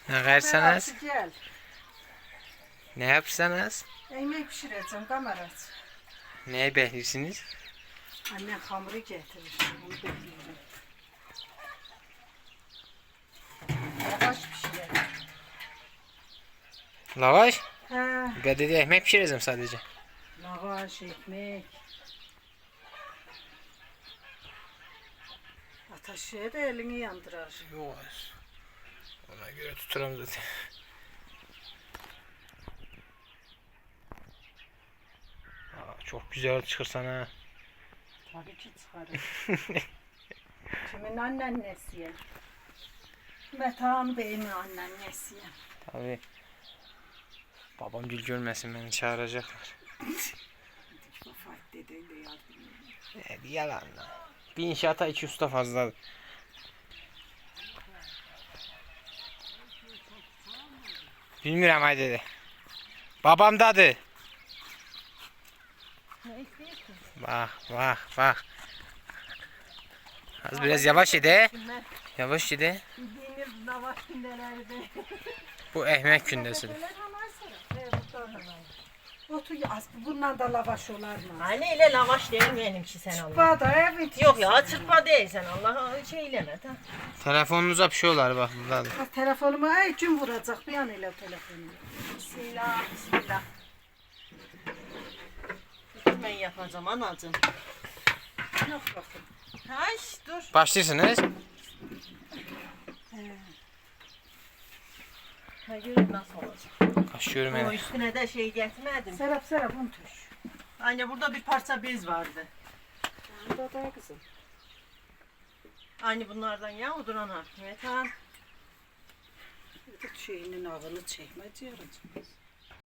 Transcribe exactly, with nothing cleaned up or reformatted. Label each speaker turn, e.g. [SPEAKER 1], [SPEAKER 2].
[SPEAKER 1] Ne verseniz?
[SPEAKER 2] Berat'ı gel.
[SPEAKER 1] Ne yapsanız?
[SPEAKER 2] Ekmek pişireceğim kamerası.
[SPEAKER 1] Neye bekliyorsunuz?
[SPEAKER 2] Annem hamuru getirir. Onu bekliyorum. Yavaş pişirelim.
[SPEAKER 1] Lavaş?
[SPEAKER 2] Ha,
[SPEAKER 1] Ben dedi ekmek pişireceğim sadece.
[SPEAKER 2] lavaş, ekmek. Ateşe de elini yandırar.
[SPEAKER 1] Yok. Ona göre tuturum zaten. Aa, çok güzel çıkırsan ha.
[SPEAKER 2] Tabii ki çıkarır. Kimin anneannesiye? Metehan Bey'in anneannesiye.
[SPEAKER 1] Tabii. Babam gül görmesin beni çağıracaklar.
[SPEAKER 2] Vefat dedeyle yardım ediyor.
[SPEAKER 1] Ne yalan lan. Bir inşaata iki usta fazla. Bilmiyorum ay dedi. Babam dadı.
[SPEAKER 2] Ne istiyorsun?
[SPEAKER 1] Bak bak bak. Az biraz yavaş yedi. Yavaş yedi.
[SPEAKER 2] Bildiğiniz lavaş gündelerde.
[SPEAKER 1] Bu ekmek kündesi.
[SPEAKER 2] Otu az bundan da lavaş olar mı?
[SPEAKER 3] Anne ile lavaş değil benimki sen Allah.
[SPEAKER 2] Bada evet.
[SPEAKER 3] Yok ya çırpma değil sen Allah'a şeyleme ta.
[SPEAKER 1] Telefonunuza bir şey olar bak burada. da.
[SPEAKER 2] Ha, telefonumu ay gün vuracak bir an ile telefonumu.
[SPEAKER 3] Bismillah bismillah. Ben yapacağım anacığım.
[SPEAKER 2] Yok bakın.
[SPEAKER 3] Hay dur.
[SPEAKER 1] Başlıyorsunuz.
[SPEAKER 3] Ha görün nasıl olacak.
[SPEAKER 1] Kaşıyorum
[SPEAKER 3] O
[SPEAKER 1] yani.
[SPEAKER 3] üstüne de şey getirmedim.
[SPEAKER 2] Serap Serap bunu tuş.
[SPEAKER 3] Anne burada bir parça bez vardı.
[SPEAKER 2] Burada da kızım.
[SPEAKER 3] Anne bunlardan ya odur ana. Evet ha.
[SPEAKER 2] Bir de şeyinin ağını çekme diyoruz.